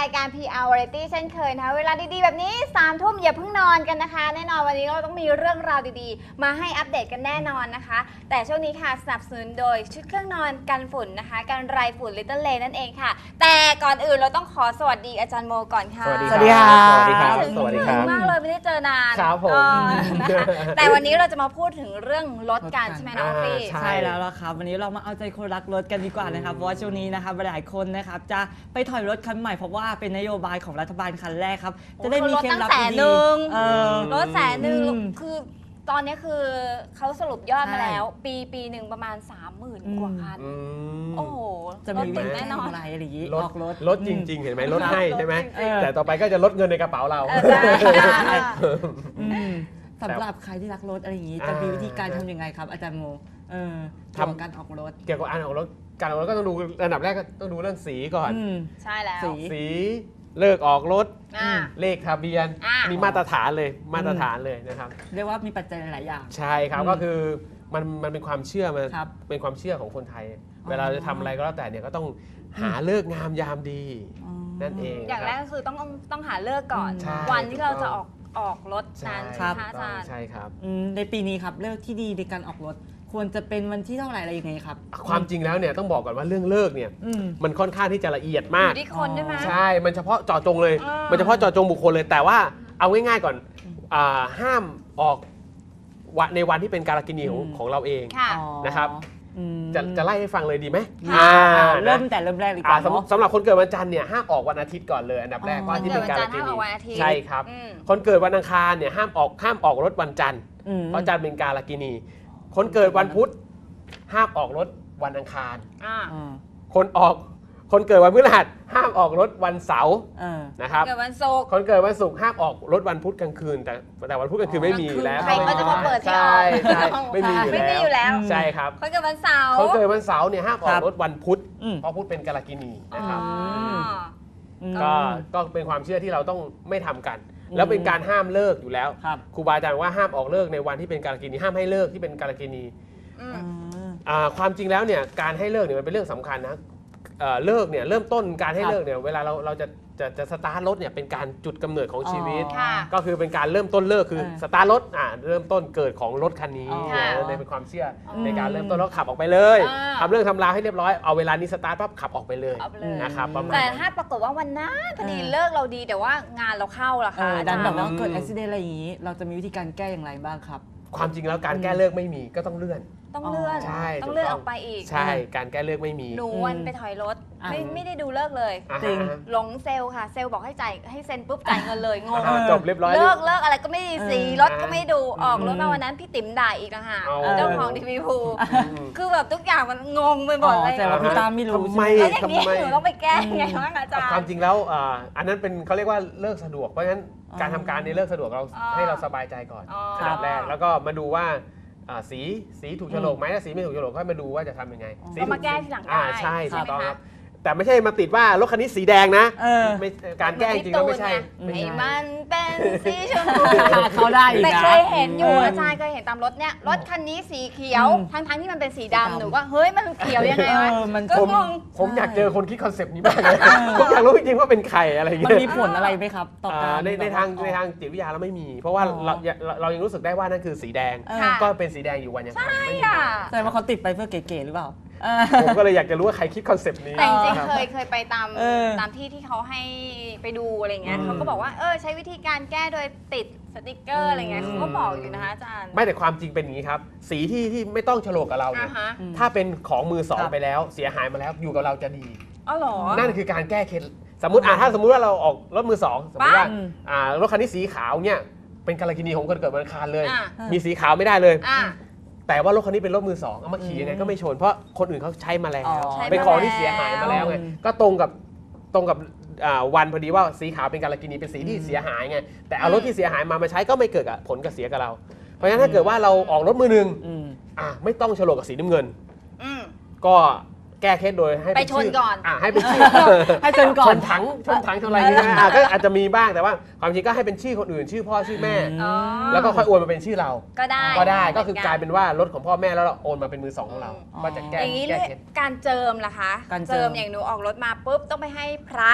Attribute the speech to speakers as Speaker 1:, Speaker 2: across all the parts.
Speaker 1: ายการ PR Variety เช่นเคยนะคะเวลาดีๆแบบนี้3 ทุ่มอย่าเพิ่งนอนกันนะคะแน่นอนวันนี้เราต้องมีเรื่องราวดีๆมาให้อัปเดตกันแน่นอนนะคะแต่ช่วงนี้ค่ะสนับสนุนโดยชุดเครื่องนอนกันฝุ่นนะคะกันไรฝุ่น Little Lane นั่นเองค่ะแต่ก่อนอื่นเราต้องขอสวัสดีอาจารย์โมก่อนค่ะ
Speaker 2: สวัสดีครับ
Speaker 1: สวัสดีครับ
Speaker 2: สวัสดีครับ
Speaker 1: มากเลยไม่ได้เจอนาน
Speaker 2: ครับผม
Speaker 1: นะคะแต่วันนี้เราจะมาพูดถึงเรื่องรถกันใช่ไหมน้องฟี่
Speaker 2: ใช่
Speaker 3: ใช่แล้วล่ะครับวันนี้เรามาเอาใจคนรักรถกันดีกว่านะครับเพราะว่าช่วงนี้นะครับหลายคนนะครับจะไปถอยรถคันใหม่เพราะว่าเป็นนโยบายของรัฐบาลคันแรกครับจะได้มีเคล็ดลับดีๆ
Speaker 1: รถ100,000
Speaker 3: อืม
Speaker 1: คือตอนนี้คือเขาสรุปยอดมา
Speaker 3: ใช่
Speaker 1: แล้วปีหนึ่งประมาณ 30,000 กว่าคัน โอ้โห
Speaker 3: จะ
Speaker 1: รถ
Speaker 3: มี
Speaker 1: ติด
Speaker 3: แน่
Speaker 1: แน่
Speaker 3: น
Speaker 1: น
Speaker 3: อ
Speaker 1: อน น
Speaker 3: อะไรอะไรอย่างนี้
Speaker 2: รถ
Speaker 3: ออกรถ
Speaker 2: รถจริง ๆ เห็นไหมรถให้ใช่ไหม
Speaker 1: รถจริงๆ
Speaker 2: แต่ต่อไปก็จะลดเงินในกระเป๋าเรา
Speaker 1: ใช่
Speaker 3: อืมสำหรับใครที่รักรถอะไรอย่างนี้จะมีวิธีการทำยังไงครับอาจารย์โมทำการออกรถ
Speaker 2: เกี่ยวกับการออกรถก็ต้องดูอันดับแรกก็ต้องดูเรื่องสีก่อน
Speaker 1: ใช่แล้ว
Speaker 2: สีเลิกออกรถ
Speaker 1: อ่า
Speaker 2: เลขทะเบียน
Speaker 1: อ่า
Speaker 2: นี่มาตรฐานเลยนะครับ
Speaker 3: เรียกว่ามีปัจจัยหลายอย่าง
Speaker 2: ใช่ครับก็คือมันเป็นความเชื่อมัน
Speaker 3: ครับ
Speaker 2: เป็นความเชื่อของคนไทย
Speaker 3: อ๋อ
Speaker 2: เวลาจะทำอะไรก็แล้วแต่เนี่ยก็ต้องหาเลิกษ์งามยามดี
Speaker 3: อ๋อ
Speaker 2: นั่นเอง
Speaker 1: อย่างแรกก็คือต้องหาเลิกก่อน
Speaker 2: ใช่
Speaker 1: วันที่เราจะออกรถ
Speaker 2: ใช่
Speaker 1: นั้น
Speaker 2: ค
Speaker 1: ใช่
Speaker 2: รับ
Speaker 1: ไหมคะอาจารย์
Speaker 2: ใช่ครับ
Speaker 3: ในปีนี้ครับเลิกที่ดีในการออกรถ ควรจะเป็นวันที่เท่าไหร่อะไรยังไงครับ
Speaker 2: ความจริงแล้วเนี่ยต้องบอกก่อนว่าเรื่องเลิกเนี่ย
Speaker 3: อืม
Speaker 2: มันค่อนข้างที่จะละเอียด
Speaker 1: อ
Speaker 2: มาก
Speaker 1: ยู่ที่คนด้วยไหม
Speaker 2: ใช่ มันเฉพาะเจาะจงเลย
Speaker 1: อ่ามั
Speaker 2: มันเฉพาะเจาะจงบุคคลเลย แต่ว่าเอาง่ายๆก่อนห้ามออกในวันที่เป็นการกินีของเราเอง
Speaker 1: ค่ะ
Speaker 3: อ๋อ
Speaker 2: นะครับ
Speaker 3: อืม
Speaker 2: จะไล่ให้ฟังเลยดีไหม
Speaker 3: ค่ะ
Speaker 2: นะ
Speaker 3: เริ่มแต่เริ่มแรกดีกว่าเนาะ
Speaker 2: สำหรับคนเกิดวันจันทร์เนี่ยห้ามออกวันอาทิตย์ก่อนเลยอันดับแรก
Speaker 3: อ๋อ
Speaker 2: เพราะอาที่เป็นการกิ
Speaker 1: คนเกิดวันจันทร์ห้ามอ
Speaker 2: นี
Speaker 1: อกวันอาทิตย์
Speaker 2: ใช่ครับ
Speaker 1: อืม
Speaker 2: คนเกิดวันอังคารเนี่ยห้ามออกรถวันจันทร์
Speaker 3: อืม
Speaker 2: เพราะจันทร์เป็นการกินี คนเกิดวันพุธห้ามออกรถวันอังคาร
Speaker 1: อ่า
Speaker 3: อ่า
Speaker 2: คนเกิดวันพฤหัสห้ามออกรถวันเสาร์
Speaker 3: เออ
Speaker 2: นะครับ
Speaker 1: เกิดวันศุกร์
Speaker 2: คนเกิดวันศุกร์ห้ามออกรถวันพุธกลางคืน แต่วันพุธกลางคืนไม่มีอยู่แล้ว
Speaker 1: ใครก็จะมาเปิดที่ออก
Speaker 2: ใช่ไม่มีอยู่
Speaker 1: ไม่มีอยู่แล้ว
Speaker 2: ใช่ครับ
Speaker 1: คนเกิดวันเสาร์
Speaker 2: คนเกิดวันเสาร์เนี่ยห้ามออกรถวันพุธ
Speaker 3: อืม
Speaker 2: เพราะพุธเป็นกาลกินีนะครับ
Speaker 1: อ๋อ
Speaker 3: อืม
Speaker 2: ก็เป็นความเชื่อที่เราต้องไม่ทำกัน แล้วเป็นการห้ามเลิกอยู่แล้ว
Speaker 3: ครับ
Speaker 2: ครูบาอาจารย์บอกว่าห้ามออกเลิกในวันที่เป็นกาลกินีห้ามให้เลิกที่เป็นกาลกินี
Speaker 1: อืม
Speaker 2: ความจริงแล้วเนี่ยการให้เลิกเนี่ยมันเป็นเรื่องสำคัญนะเลิกเนี่ยเริ่มต้นการให้
Speaker 3: ครับ
Speaker 2: เลิกเนี่ยเวลาเราจะสตาร์ทรถเนี่ยเป็นการจุดกำเนิดของชีวิต
Speaker 1: ค่ะ
Speaker 2: ก็คือเป็นการเริ่มต้นเลิกคือสตาร์ทรถเริ่มต้นเกิดของรถคันนี้
Speaker 1: ค่ะ
Speaker 2: นั่นเป็นความเชื่ออ
Speaker 3: ม
Speaker 2: ในการเริ่มต้นแล้วขับออกไปเลย
Speaker 1: อ่า
Speaker 2: ทำเรื่องทำราวให้เรียบร้อยเอาเวลานี้สตาร์ทปั๊บขับออกไปเลย
Speaker 1: เอาไปเลย
Speaker 2: นะครับประมาณ
Speaker 1: แต่
Speaker 2: นั้น
Speaker 1: ถ้าปรากฏว่าวันนั้นพอดี
Speaker 3: เออ
Speaker 1: เลิกเราดีแต่ว่างานเราเข้าล่ะ
Speaker 3: เอ
Speaker 1: ค่ะ
Speaker 3: อ
Speaker 1: อา
Speaker 3: ดั
Speaker 1: จาร
Speaker 3: น
Speaker 1: ย์
Speaker 3: แบบว่าเกิดอุบิเหตุอะไรอย่างนี้ เราจะมีวิธีการแก้อย่างไรบ้างครับ
Speaker 2: ความจริงแล้วการแก้เลิกไม่มีก็ต้องเลื่อน
Speaker 1: ต้องเลื่อน
Speaker 2: ใช่
Speaker 1: ต้องเลื่อน
Speaker 2: ถูกต้
Speaker 1: อ
Speaker 2: อง
Speaker 1: อกไปอีก
Speaker 2: ใช่การแก้เลิกไม่มี
Speaker 1: หนูวันไปถอยรถ
Speaker 3: อ่า
Speaker 1: ไม่ได้ดูเลิกเลย
Speaker 2: อ่า
Speaker 3: จริง
Speaker 2: ฮะ
Speaker 1: หลงเซลล์ค่ะ เซลล์บอกให้จ่ายให้เซ็นปุ๊บจ่ายเงินเลยงง
Speaker 2: จบเรียบร้อย
Speaker 1: เลิกอะไรก็ไม่ดีสีรถก็ไม่ดูออกรถ
Speaker 3: อื
Speaker 1: มาม วันนั้นพี่ติ๋มด่าอีกนะฮะ
Speaker 2: เอา
Speaker 1: เจ้าของทีวีพู
Speaker 2: อืม
Speaker 1: คือแบบทุกอย่างมันงงไปหมดเลย
Speaker 3: แต่ว่าพี่ตามไม่รู้
Speaker 2: ทำไม
Speaker 1: แล้วอย่างนี้
Speaker 2: ทำไม
Speaker 1: หนูต้องไปแก้ยังไงบ้างอาจารย์
Speaker 2: ความจริงแล้วอันนั้นเป็นเขาเรียกว่าเลิกสะดวกเพราะฉะนั้นการทำการในเลิกสะดวกเรา
Speaker 1: อ๋อ
Speaker 2: ให้เราสบายใจก่อน
Speaker 1: อ๋อ
Speaker 2: อันดับแรกแล้วก็มาดูว่าสีถูกโฉลกไหมถ้าสีไม่ถูกโฉลกก็มาดูว่าจะทำยังไงสี
Speaker 1: ก็มาแก้ทีหลังได้
Speaker 2: ใช่
Speaker 1: ใช่
Speaker 2: ถู
Speaker 1: ไหม
Speaker 2: กต้องค
Speaker 1: คะ
Speaker 2: รับแต่ไม่ใช่มาติดว่ารถคันนี้สีแดงนะ
Speaker 3: เออ
Speaker 2: ไม่การแก้จริงๆแล้วไม่ใช่
Speaker 1: เหมือนพี่ตูนไง
Speaker 2: ไม่ใช่
Speaker 1: ให้มันเป็นสีชมพู
Speaker 3: เขาได้อีก
Speaker 1: แต่
Speaker 3: นะ
Speaker 1: เคยเห็นอยู่
Speaker 3: เ
Speaker 1: อาจารย์เคยเห็นตามรถเนี่ยรถคันนี้สีเขียว
Speaker 3: อืม
Speaker 1: ทั้งที่มันเป็นสี
Speaker 3: สีดำ
Speaker 1: ดำหนูก็เฮ้ยมันเขียวยังไงวะ
Speaker 3: เออมัน
Speaker 1: ก็
Speaker 2: ผม
Speaker 1: งง
Speaker 2: ผมอยากเจอคนคิดคอนเซปต์นี้มากเลยผมอยากรู้จริงๆว่าเป็นใครอะไรอย่าง
Speaker 3: มัน
Speaker 2: เงี้ย
Speaker 3: มีผลอะไรไหมครับต่อการ
Speaker 2: ในทางจิตวิทยาเราไม่มี เพราะว่าเรายังรู้สึกได้ว่านั่นคือสีแดง
Speaker 1: ค่ะ
Speaker 2: ก็เป็นสีแดงอยู่วันยังค่ำไม่มี
Speaker 1: ค่ะ
Speaker 3: แสดงว่าเขาติดไปเพื่อเก๋ๆหรือเปล่า
Speaker 2: ผมก็เลยอยากจะรู้ว่าใครคิดคอนเซปต์นี้
Speaker 1: แต่จริง
Speaker 2: ครับ
Speaker 1: ๆเคยไปตาม
Speaker 3: เออ
Speaker 1: ตามที่เขาให้ไปดูอะไรเงี้ย
Speaker 2: อืม
Speaker 1: เขาก็บอกว่าใช้วิธีการแก้โดยติดสติกเกอร์อะไรเงี้ยเขาก็บอกอยู่นะคะอาจารย์
Speaker 2: ไม่แต่ความจริงเป็นอย่างนี้ครับ สีที่ไม่ต้องโฉลกกับเราเนี่ย
Speaker 1: ฮะ
Speaker 2: ถ้าเป็นของมือสอง
Speaker 3: ครับ
Speaker 2: ไปแล้วเสียหายมาแล้วอยู่กับเราจะดี
Speaker 1: อ๋อเหรอ
Speaker 2: นั่นคือการแก้เคล็ดสมมติถ้าสมมุติว่าเราออกรถมือสองสมมติว่า
Speaker 3: บ้า
Speaker 2: รถคันนี้สีขาวเนี่ยเป็นกาลกินีของคนเกิดวันอังคารเลย
Speaker 1: อ่ะ
Speaker 2: มีสีขาวไม่ได้เลย
Speaker 1: อ่ะ
Speaker 2: แต่ว่ารถคันนี้เป็นรถมือสองเอามาขี่ยังไงก็ไม่ชนเพราะคนอื่นเขาใช้มาแล้ว
Speaker 3: อ๋อ
Speaker 1: ใช้มา
Speaker 2: เป็นของที่เสียหายมาแล้วไง
Speaker 3: อืม
Speaker 2: ก็ตรงกับวันพอดีว่าสีขาวเป็นกาลกินีเป็นสีที่เสียหายไงแต่เอารถที่เสียหายมาใช้ก็ไม่เกิดผลกับเสียกับเรา เพราะฉะนั้นถ้าเกิดว่าเราออกรถมือหนึ่ง
Speaker 3: อืม
Speaker 2: ไม่ต้องโฉลกกับสีน้ำเงิน
Speaker 1: อืม
Speaker 2: ก็แก้เคล็ดโดยให้
Speaker 1: ไป
Speaker 2: เป็นชื่
Speaker 1: ชนก่อน
Speaker 2: ให้เป็นชื่อ
Speaker 3: ให้ชนก่อน
Speaker 2: ชนถังชนอะไรอย่างเงี้ยก็อาจจะมีบ้างแต่ว่าความจริงก็ให้เป็นชื่อคนอื่นชื่อพ่อชื่อแม่
Speaker 1: อ๋อ
Speaker 2: แล้วก็ค่อยโอนมาเป็นชื่อเรา
Speaker 1: ก็ได้
Speaker 2: ก็คือกลายเป็นว่ารถของพ่อแม่แล้วเราโอนมาเป็นมือสองของเรา ก็จะแก้
Speaker 1: อย่างนี้
Speaker 2: แก้เคล็ด
Speaker 1: การเจิมล่ะคะ
Speaker 3: การเจิม
Speaker 1: อย่างหนูออกรถมาปุ๊บต้องไปให้พระ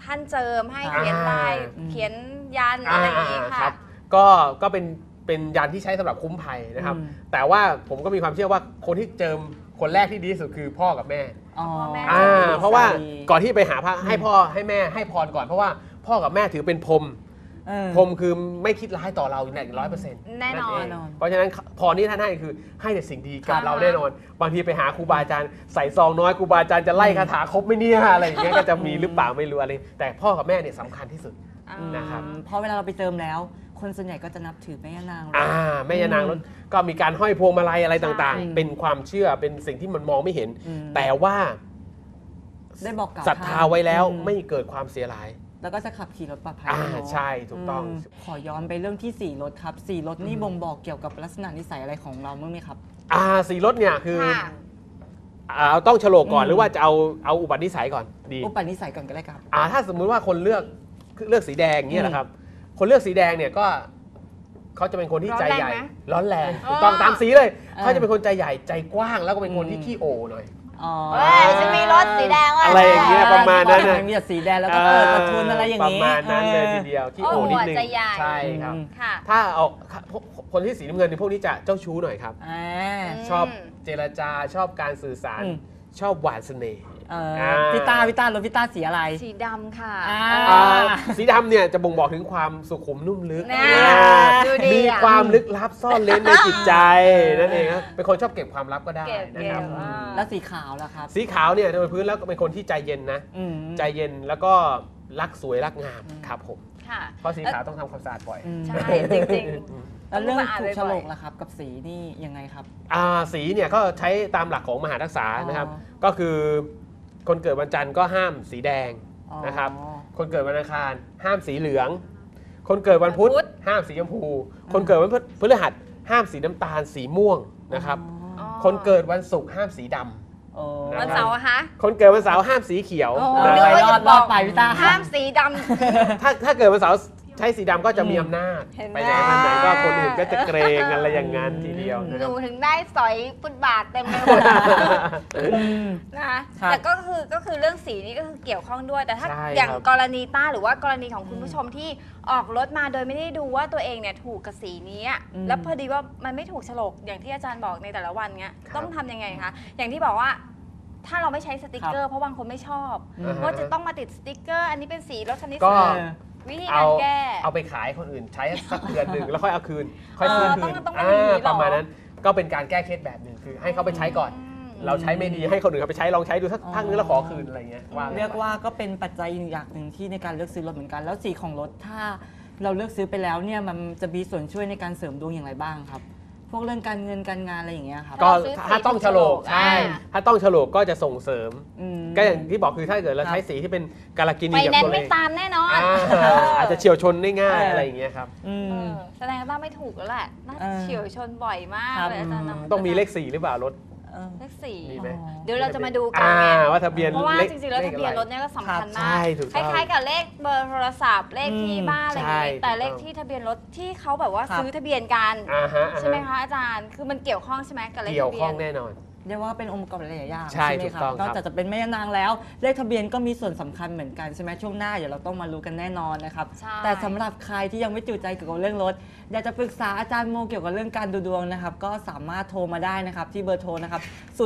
Speaker 1: ท่านเจิมให้เขียนลายเขียนยันอะไรอย่างนี้
Speaker 2: ครั
Speaker 1: ค่ะ
Speaker 2: บก็เป็นยันที่ใช้สำหรับคุ้มภัยนะครับ แต่ว่าผมก็มีความเชื่อว่าคนที่เจิมคนแรกที่ดีที่สุดคือพ่อกับแม่
Speaker 3: อ๋อ
Speaker 1: แม่
Speaker 2: เพราะว่าก่อนที่ไปหาพระให้พ่อให้แม่ให้พรก่อนเพราะว่าพ่อกับแม่ถือเป็นพรหม พรหมคือไม่คิดร้ายต่อเราอย่าง100%
Speaker 1: แน่นอน
Speaker 2: เพราะฉะนั้นพรที่ท่านให้คือให้แต่สิ่งดีกับเราแน่นอน บางทีไปหาครูบาอาจารย์ใส่ซองน้อยครูบาอาจารย์จะไล่คาถาครบไหม่เนี่ยอะไรอย่างเงี้ยก็จะมีหรือเปล่าไม่รู้อะไรแต่พ่อกับแม่เนี่ยสำคัญที่สุด นะครับ
Speaker 3: เพราะเวลาเราไปเจิมแล้ว คนส่วนใหญ่ก็จะนับถือแม่ย่านาง
Speaker 2: แม่ยานางรถก็มีการห้อยพวงมาลัยอะไรต่าง
Speaker 3: ใช่
Speaker 2: ๆ เป็นความเชื่อเป็นสิ่งที่มันมองไม่เห็น
Speaker 3: อืม
Speaker 2: แต่ว่า
Speaker 3: ได้บอกกล่าว
Speaker 2: ศรัทธาไว้แล้ว
Speaker 3: อื
Speaker 2: ไม่เกิดความเสียหาย
Speaker 3: แล้วก็จะขับขี่รถปลอดภัย
Speaker 2: ใช่ถูกต้อง
Speaker 3: ขอย้อนไปเรื่องที่4รถครับ4รถนี่บ่งบอกเกี่ยวกับลักษณะนิสัยอะไรของเราบ้างไหมครับ
Speaker 2: สีรถเนี่ยคือ
Speaker 1: ค่ะ
Speaker 2: ต้องโฉลกก่อนหรือว่าจะเอาอุปนิสัยก่อนดี
Speaker 3: อุปนิสัยก่อนก็ได้ครับ
Speaker 2: ถ้าสมมุติว่าคนเลือกสีแดงเนี่ยนะครับ คนเลือกสีแดงเนี่ยก็เขาจะเป็นคนที่ใจใหญ่ร้อนแรงถูกต้องตามสีเลยเขาจะเป็นคนใจใหญ่ใจกว้างแล้วก็เป็นคนที่ขี้โอหน่อย
Speaker 1: เฮ้ยจะมีรถสีแดงว่ะ
Speaker 2: อะไรอย่างเงี้ยประมาณนั้นนะ
Speaker 3: มีแต่สีแดงแล้วก็เปิดประทุนอะไรอย่าง
Speaker 2: ประ
Speaker 3: นี้
Speaker 2: มาณนั้นเลยทีเดียวขี้โอนิดนึง
Speaker 1: ใจใหญ่
Speaker 2: ใช่ครับ
Speaker 1: ค่ะ
Speaker 2: ถ้าเอาคนที่สีน้ำเงินในพวกนี้จะเจ้าชู้หน่อยครับ ชอบเจรจาชอบการสื่อสาร ชอบหวานเสน่ห์
Speaker 3: พี่ต้ารถพี่ต้าสีอะไร
Speaker 1: สีดำค่ะ
Speaker 2: สีดำเนี่ยจะบ่งบอกถึงความสุขุมนุ่มลึก
Speaker 1: น่าดูดี
Speaker 2: มี
Speaker 1: อ่ะ
Speaker 2: ความลึกลับซ่อนเร้นในจิตใจนั่นเองครับเป็นคนชอบเก็บความลับก็ได้
Speaker 1: เก็บ
Speaker 2: นะครับ
Speaker 3: แล้วสีขาวล่ะครับ
Speaker 2: สีขาวเนี่ยโดยพื้นแล้วก็เป็นคนที่ใจเย็นนะ ใจเย็นแล้วก็รักสวยรักงามครับผม
Speaker 1: ค่ะ
Speaker 2: เพราะสีขาวต้องทำความสะอาดบ่อย
Speaker 1: ใช่จริง
Speaker 3: แล้วเรื่อง
Speaker 1: ต้องมาอ่าน
Speaker 3: ถูกโฉลก
Speaker 1: บ่อยๆ
Speaker 3: ล่ะครับ กับสีนี่ยังไงครับ
Speaker 2: สีเนี่ยก็ใช้ตามหลักของมหาทักษะนะครับ
Speaker 3: อ๋อ
Speaker 2: ก็คือคนเกิดวันจันทร์ก็ห้ามสีแดงนะครับ
Speaker 3: อ๋อ
Speaker 2: คนเกิดวันอังคารห้ามสีเหลือง คนเกิดวันพุธ
Speaker 1: วันพุธ
Speaker 2: ห้ามสีชมพู คนเกิดวันพฤหัสห้ามสีน้ำตาลสีม่วงนะครับ
Speaker 1: อ๋อ
Speaker 2: คนเกิดวันศุกร์ห้ามสีดำ
Speaker 3: โอ้
Speaker 2: นะ
Speaker 1: วันเสาร์อะคะ
Speaker 2: คนเกิดวันเสาร์ห้ามสีเขียว
Speaker 1: โอ้
Speaker 2: นะ
Speaker 1: นึก
Speaker 2: ครับ
Speaker 1: ว่าจะ
Speaker 3: รอดไปพี่ต้า
Speaker 1: ห้ามสีดำ
Speaker 2: ถ้าเกิดวันเสาร์ใช้สีดำก็จะมีอำนาจ
Speaker 1: เห็นไหม
Speaker 2: ไปไหนมาไหนก็คนอื่นก็จะเกรงอะไรอย่างนั้นทีเดียวนะ
Speaker 1: ห
Speaker 2: ครั
Speaker 1: นู
Speaker 2: บ
Speaker 1: ถึงได้สอยฟุตบาทเต็มไปหมดนะคะ
Speaker 3: ครับ
Speaker 1: แต่ก็คือเรื่องสีนี่ก็คือเกี่ยวข้องด้วย แต่ถ้า
Speaker 2: ใช่
Speaker 1: อย่าง
Speaker 2: ครับ
Speaker 1: กรณีต้าหรือว่ากรณีของคุณผู้ชมที่ออกรถมาโดยไม่ได้ดูว่าตัวเองเนี่ยถูกกับสีนี้อะแล้วพอดีว่ามันไม่ถูกโฉลกอย่างที่อาจารย์บอกในแต่ละวันเงี้ยต้องทำยังไงคะอย่างที่บอกว่า ถ้าเราไม่ใช้สติกเกอร์เพราะบางคนไม่ชอบ ว่าจะต้องมาติดสติกเกอร์ อันนี้เป็นสีรถคันนี้
Speaker 2: ก็
Speaker 1: สีวิธีการแก้
Speaker 2: เอาไปขายคนอื่นใช้สักเดือนหนึ่งแล้วค่อยเอาคืน ค่อยซื้อคืน
Speaker 1: ต้องมีอย่างนี้เหรอ
Speaker 2: ประมาณนั้นก็เป็นการแก้เคล็ดแบบหนึ่งคือให้เขาไปใช้ก่อน เราใช้ไม่ดีให้คนอื่นเขาไปใช้ลองใช้ดูสักพักนึงแล้วขอคืนอะไรเงี้ยว่า
Speaker 3: เรียกว่าก็เป็นปัจจัยอย่างหนึ่งที่ในการเลือกซื้อรถเหมือนกัน แล้วสีของรถถ้าเราเลือกซื้อไปแล้วเนี่ยมันจะมีส่วนช่วยในการเสริมดวงอย่างไรบ้างครับ พวกเรื่องการเงินการงานอะไรอย่างเงี้ยครับ
Speaker 2: ก็
Speaker 1: ซื้อสี
Speaker 2: ถ้าต้องโฉลก
Speaker 1: ถูกโฉลก
Speaker 2: ใช่ ถ้าต้องโฉลกก็จะส่งเสริม
Speaker 3: ม
Speaker 2: ก็อย่างที่บอกคือถ้าเกิดเรา
Speaker 3: ครับ
Speaker 2: ใช้สีที่เป็นกาลกินี
Speaker 1: ไป
Speaker 2: กับ
Speaker 1: แนน
Speaker 2: ตัว
Speaker 1: ซ์
Speaker 2: เอ
Speaker 1: ไม่
Speaker 2: ง
Speaker 1: ตามแน่นอน
Speaker 2: อาจจะเฉียวชนได้ง่าย
Speaker 3: เอออ
Speaker 2: อะไรอย่างเงี้ยครับ
Speaker 3: อืม
Speaker 1: แสดงว่าไม่ถูกแล้วแหละน่า
Speaker 3: เออ
Speaker 1: เฉียวชนบ่อยมาก
Speaker 3: ครับ
Speaker 1: เลยอาจารย์นะ
Speaker 2: ต้องมีเลข4หรือเปล่ารถ
Speaker 3: เออ
Speaker 1: เลขสี่
Speaker 2: มีไหม
Speaker 1: เดี๋ยวเราจะมาดูกันไง
Speaker 2: ว่าทะเบียน
Speaker 1: เพราะว่า
Speaker 2: เลข
Speaker 1: จริงๆ แล้วทะเบียนรถเนี่ยก็สำคัญ
Speaker 2: ใช่
Speaker 1: มาก
Speaker 2: ถูก
Speaker 1: ค
Speaker 2: ต้อง
Speaker 1: ล้ายๆ กับเลขเบอร์โทรศัพท์ เลขที่บ้านอะไรอย่าง
Speaker 2: ใช่
Speaker 1: งี้แต่
Speaker 2: ถูกต้อง
Speaker 1: เลขที่ทะเบียนรถที่เขาแบบว่า
Speaker 3: ครับ
Speaker 1: ซื้อทะเบียนกัน
Speaker 2: อ่า
Speaker 1: ใช่ไหมคะอาจารย์ คือมันเกี่ยวข้องใช่ไหมกับเลข
Speaker 2: เกี่ยว
Speaker 1: ทะเบี
Speaker 2: ข้
Speaker 1: ย
Speaker 2: อง
Speaker 1: น
Speaker 2: แน่นอน
Speaker 3: เรียกว่าเป็นองค์ประกอบหลายๆอย่าง
Speaker 2: ใช่
Speaker 3: ไหม
Speaker 2: ถูก
Speaker 3: ครับ
Speaker 2: ต้อง
Speaker 3: นอกจากจะเป็นแม่ย่านางแล้ว เลขทะเบียนก็มีส่วนสำคัญเหมือนกันใช่ไหมช่วงหน้าเดี๋ยวเราต้องมารู้กันแน่นอนนะครับ
Speaker 1: ใช่
Speaker 3: แต่สำหรับใครที่ยังไม่จุใจเกี่ยวกับเรื่องรถอยากจะปรึกษาอาจารย์โมเกี่ยวกับเรื่องการดูดวงนะครับก็สามารถโทรมาได้นะครับที่เบอร์โทรนะครับ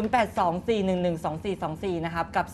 Speaker 3: 0824112424 นะครับกับ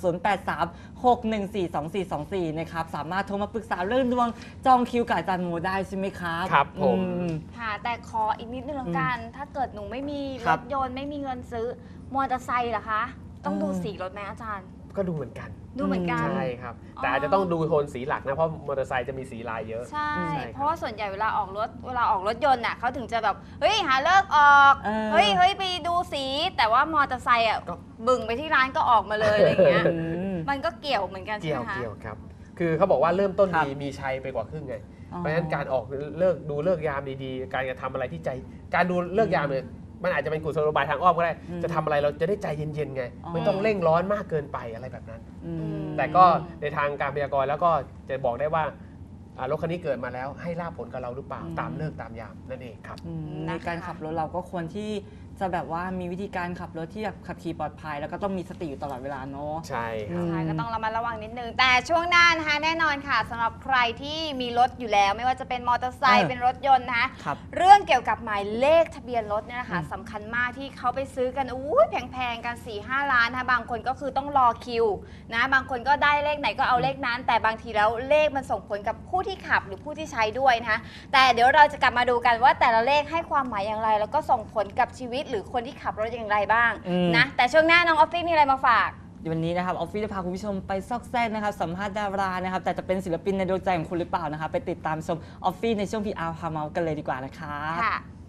Speaker 3: 0836142424 นะครับสามารถโทรมาปรึกษาเรื่องดวงจองคิวกับอาจารย์โมได้ใช่ไหมครับ
Speaker 2: ครับผม
Speaker 1: ค่ะ แต่ขออีกนิดนึงแล้วกัน ถ้าเกิดหนูไม่มี
Speaker 3: ค
Speaker 1: ร
Speaker 3: รับ
Speaker 1: ถยนต์ไม่มีเงินซื้อมอเตอร์ไซค์เหรอคะ ต้องดูสีรถไหมอาจารย์
Speaker 2: ก็ดูเหมือนกัน
Speaker 1: ดูเหมือนกัน
Speaker 2: ใช่ครับ แต่อาจจะต้องดูโทนสีหลักนะ เพราะมอเตอร์ไซค์จะมีสีลายเยอะ
Speaker 1: ใช่
Speaker 2: ใช่ครับ
Speaker 1: เพราะว่าส่วนใหญ่เวลาออกรถยนต์น่ะเขาถึงจะแบบเฮ้ยหาเลิกออก
Speaker 3: เออ
Speaker 1: เฮ้ยไปดูสี แต่ว่ามอเตอร์ไซค์อ่ะ
Speaker 2: ก็
Speaker 1: บึ่งไปที่ร้านก็ออกมาเลยอะไรอย่างเงี้ย
Speaker 3: อืม
Speaker 1: มันก็เกี่ยวเหมือนกันใช่
Speaker 2: เกี่
Speaker 1: ไห
Speaker 2: ย
Speaker 1: ม
Speaker 2: ว
Speaker 1: คะ
Speaker 2: เกี่ยวครับ คือเขาบอกว่าเริ่มต้น
Speaker 3: ครับ
Speaker 2: ดีมีชัยไปกว่าครึ่งไง
Speaker 3: อ๋อ
Speaker 2: เพราะฉะนั้นการออกเลิกดูเลิกยามดีๆ การกระทำอะไรที่ใจ การดูเลิกยามเนี่ยมันอาจจะเป็นกุศโลบายทางอ้อมก็ได้ จะทำอะไรเราจะได้ใจเย็นๆไง ไม่ต้องเร่งร้อนมากเกินไปอะไรแบบนั้น
Speaker 3: อืม
Speaker 2: แต่ก็ในทางการพยากรณ์แล้วก็จะบอกได้ว่ารถคันนี้เกิดมาแล้วให้ลาบผลกับเราหรือเปล่าตามเลิกตามยามนั่นเองครับ
Speaker 3: ในการขับรถเราก็ควรที่จะแบบว่ามีวิธีการขับรถที่แบบขับขี่ปลอดภัยแล้วก็ต้องมีสติอยู่ตลอดเวลาเนาะ
Speaker 2: ใช่ครับ
Speaker 1: ใช่ก็ต้องระมัดระวังนิดนึง แต่ช่วงหน้านะคะแน่นอนค่ะสำหรับใครที่มีรถอยู่แล้ว ไม่ว่าจะเป็นมอเตอร์ไซค์เป็นรถยนต์นะคะ
Speaker 3: ครับ
Speaker 1: เรื่องเกี่ยวกับหมายเลขทะเบียนรถเนี่ยนะคะสำคัญมากที่เขาไปซื้อกันแพงๆกัน 4-5 ล้านนะคะบางคนก็คือต้องรอคิวนะบางคนก็ได้เลขไหนก็เอาเลขนั้น แต่บางทีแล้วเลขมันส่งผลกับผู้ที่ขับหรือผู้ที่ใช้ด้วยนะคะแต่เดี๋ยวเราจะกลับมาดูกันว่าแต่ละเลขให้ความหมายอย่างไร แล้วก็ส่งผลกับชีวิตหรือคนที่ขับรถอย่างไรบ้างนะแต่ช่วงหน้าน้องออฟฟี่มีอะไรมาฝาก
Speaker 3: วันนี้นะครับออฟฟิศจะพาคุณผู้ชมไปซอกแซกนะครับสัมภาษณ์ดารานะครับแต่จะเป็นศิลปินในดวงใจของคุณหรือเปล่านะครับไปติดตามชมออฟฟิศในช่วง PR พาเมาส์กันเลยดีกว่านะครับ
Speaker 1: ค่ะ